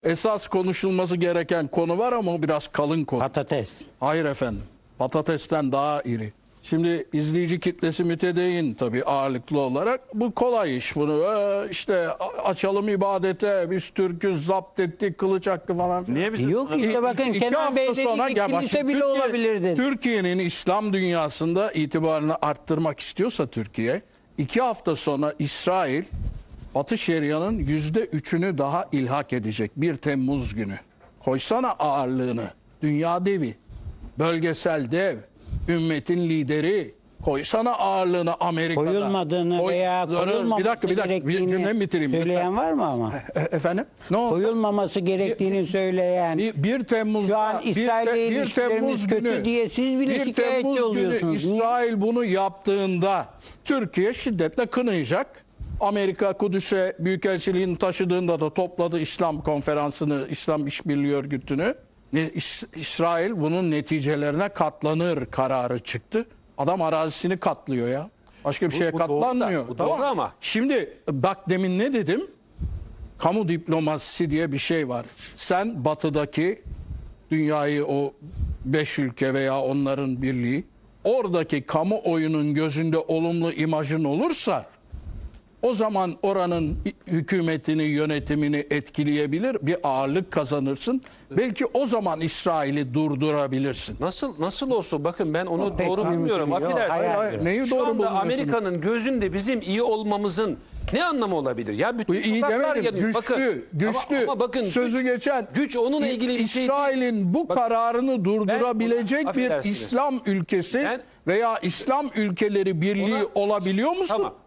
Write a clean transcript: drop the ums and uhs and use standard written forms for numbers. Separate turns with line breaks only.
Esas konuşulması gereken konu var ama o biraz kalın konu.
Patates.
Hayır efendim. Patatesten daha iri. Şimdi izleyici kitlesi mütedeyyin tabii ağırlıklı olarak. Bu kolay iş bunu. İşte açalım ibadete, biz Türk'üz, zapt ettik, kılıç hakkı falan filan.
Niye bize
Yok işte bakın
İki
Kenan
hafta
Bey dedi
sonra
ki
gel bak,
kilise bile olabilir dedi.
Türkiye'nin İslam dünyasında itibarını arttırmak istiyorsa Türkiye, 2 hafta sonra İsrail Batı Şeria'nın %3'ünü daha ilhak edecek 1 Temmuz günü. Koysana ağırlığını. Dünya devi, bölgesel dev, ümmetin lideri. Koysana ağırlığını Amerika'da.
Koyulmadığını veya koyulmaması
bir cümlemi bitireyim.
söyleyen var mı ama?
Efendim? Ne oldu?
Koyulmaması gerektiğini söyleyen.
1 Temmuz'da
Şu an İsrail'le ilişkilerimiz kötü diye siz bile
1
şikayetçi
Temmuz günü
oluyorsunuz. Niye?
İsrail bunu yaptığında Türkiye şiddetle kınayacak. Amerika Kudüs'e büyükelçiliğini taşıdığında da topladı İslam konferansını, İslam İşbirliği Örgütü'nü. İsrail bunun neticelerine katlanır kararı çıktı. Adam arazisini katlıyor ya. Başka bir şeye
bu doğru da,
katlanmıyor.
bu doğru ama.
Şimdi bak demin ne dedim? Kamu diplomasisi diye bir şey var. Sen batıdaki dünyayı, o 5 ülke veya onların birliği, oradaki kamuoyunun gözünde olumlu imajın olursa o zaman oranın hükümetini, yönetimini etkileyebilir, bir ağırlık kazanırsın. Belki o zaman İsrail'i durdurabilirsin.
Nasıl olsun, bakın ben onu
pek
doğru
mümkün
bilmiyorum.
değil.
Affedersin.
Hayır.
Neyi
Şu
doğru
anda
bulmuyorsun?
Amerika'nın gözünde bizim iyi olmamızın ne anlamı olabilir? Ya bütün
İyi
sokaklar
demedim.
yanıyor.
Güçlü.
Ama bakın
Sözü geçen.
güç onunla ilgili bir şey değil.
İsrail'in bu kararını durdurabilecek bir
affedersiniz.
İslam ülkesi
Ben-
veya İslam ülkeleri birliği
Ona-
olabiliyor musun?
Tamam.